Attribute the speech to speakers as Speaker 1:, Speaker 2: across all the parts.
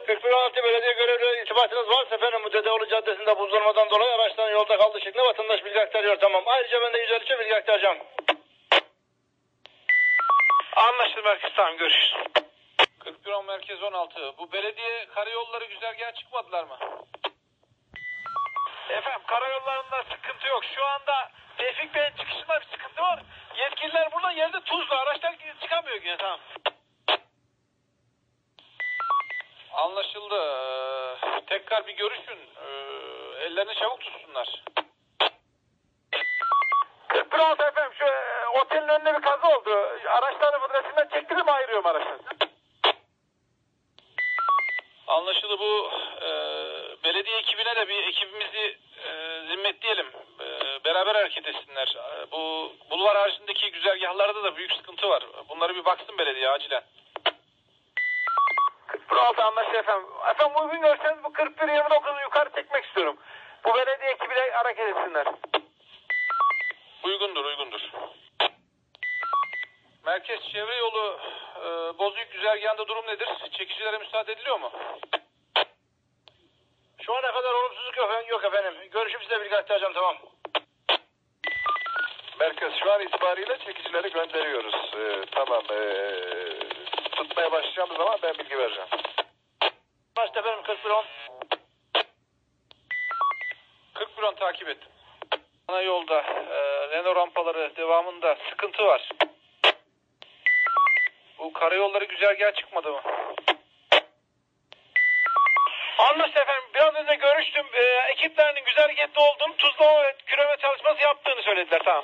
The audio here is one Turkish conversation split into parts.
Speaker 1: 4116 belediye görevlileri irtibatınız varsa efendim bu Dedeoğlu Caddesi'nde buzlanmadan dolayı araçların yolda kaldığı şeklinde vatandaş bilgi aktarıyor, tamam. Ayrıca ben de 153'e bilgi aktaracağım.
Speaker 2: Anlaşıldı merkez, tamam, görüşürüz. 4110 merkez 16. Bu belediye karayolları güzergaha çıkmadılar mı? Efendim karayollarında sıkıntı yok. Şu anda Tevfik Bey'in çıkışında bir sıkıntı var. Yetkililer burada, yerde tuzlu. Araçlar çıkamıyor yine, tamam. Anlaşıldı. Tekrar bir görüşün. Ellerini çabuk tutsunlar. 4116 efendim, şu otelin önünde bir kaza oldu. Araçları fıdrasından çektirip ayırıyorum araçları. Anlaşıldı. Bu belediye ekibine de bir ekibimizi zimmetleyelim. Beraber hareket etsinler. Bu bulvar haricindeki güzergahlarda da büyük sıkıntı var. Bunları bir baksın belediye acilen. 4116 anlaşıldı efendim. Efendim uygun görseniz bu 4129'u yukarı çekmek istiyorum. Bu belediye ekibiyle hareket etsinler. Uygundur, uygundur. Merkez çevre yolu Bozüyük güzergahında durum nedir? Çekicilere müsaade ediliyor mu?
Speaker 1: Şu ana kadar olumsuzluk yok efendim. Görüşüp size bilgi aktaracağım, tamam.
Speaker 3: Merkez şu an itibariyle çekicileri gönderiyoruz. Tamam. Tutmaya başlayacağımız zaman ben bilgi vereceğim.
Speaker 1: Başta efendim 4110.
Speaker 2: 4110 takip ettim. Ana yolda Renault rampaları devamında sıkıntı var. Bu karayolları güzergaha çıkmadı mı? Anlaşıldı efendim. Biraz önce görüştüm. Ekiplerinin güzergahta oldum. Tuzlama ve küreme çalışması yaptığını söylediler. Tamam.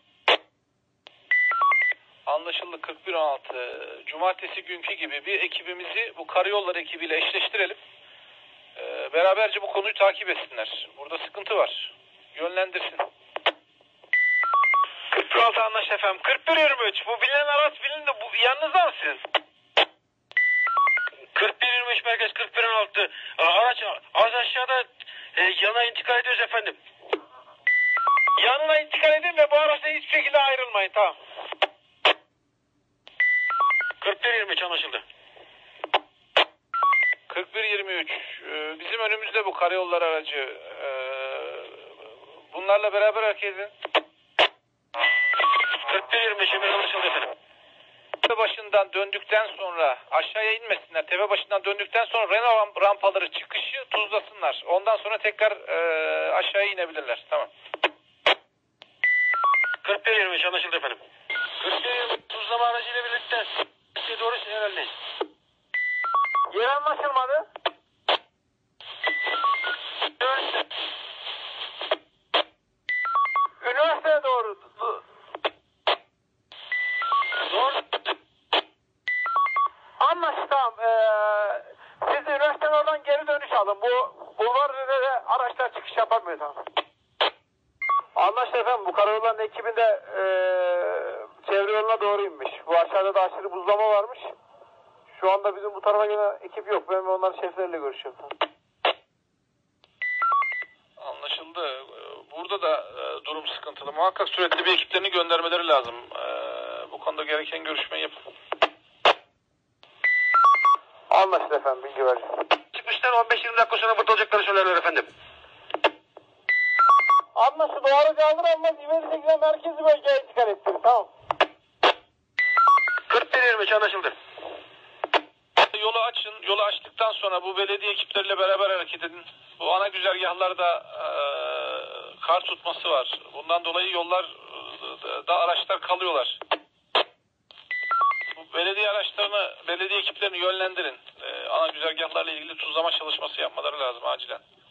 Speaker 2: Anlaşıldı 4116. Cumartesi günkü gibi bir ekibimizi bu karayolları ekibiyle eşleştirelim. Beraberce bu konuyu takip etsinler. Burada sıkıntı var. Yönlendirsin. 4116 anlaşıldı efendim. 4123. Bu bilinen araç bilindi. Bu yanınızda mı sizin?
Speaker 1: 4123 merkez 4116. Araç az aşağıda yana intikal ediyoruz efendim.
Speaker 2: Yanına intikal edin ve bu araçla hiçbir şekilde ayrılmayın. Tamam.
Speaker 1: 4123 anlaşıldı.
Speaker 2: 4123. Bizim önümüzde bu karayollar aracı. Bunlarla beraber hareket edin.
Speaker 1: 4123 anlaşıldı efendim.
Speaker 2: Tepe başından döndükten sonra aşağıya inmesinler. Tepe başından döndükten sonra Renault rampaları çıkışı tuzlasınlar. Ondan sonra tekrar aşağıya inebilirler. Tamam.
Speaker 1: 4123 anlaşıldı efendim. 4123 tuzlama aracıyla birlikte size doğru ilerleyin.
Speaker 2: Yer anlaşılmadı. Üniversiteye doğru.
Speaker 1: Doğru.
Speaker 2: Anlaşıldı, tamam. Siz de üniversiteden oradan geri dönüş alın. Bu bulvar üzerinde araçlar çıkış yapamıyor, tamam. Anlaşıldı efendim. Bu karayolların ekibinde çevre yoluna doğru inmiş. Bu aşağıda da aşırı buzlama varmış. Şu anda bizim bu tarafa gelen ekip yok. Ben onların şefleriyle görüşüyorum. Anlaşıldı. Burada da durum sıkıntılı. Muhakkak sürekli bir ekiplerini göndermeleri lazım. Bu konuda gereken görüşmeyi yapın. Anlaşıldı efendim. Bilgi vereceğim.
Speaker 1: Çıkmışlar 15-20 dakika sonra burada olacaklarını söylerler efendim.
Speaker 2: Anlaşıldı. O aracı alır almaz İveri şekilde merkezi bölgeye intikal ettirin. Tamam.
Speaker 1: 4123 anlaşıldı.
Speaker 2: Yolu açın. Yolu açtıktan sonra bu belediye ekipleriyle beraber hareket edin. Bu ana güzergahlarda kar tutması var. Bundan dolayı yollar da araçlar kalıyorlar. Bu belediye araçlarını, belediye ekiplerini yönlendirin. Ana güzergahlarla ilgili tuzlama çalışması yapmaları lazım acilen.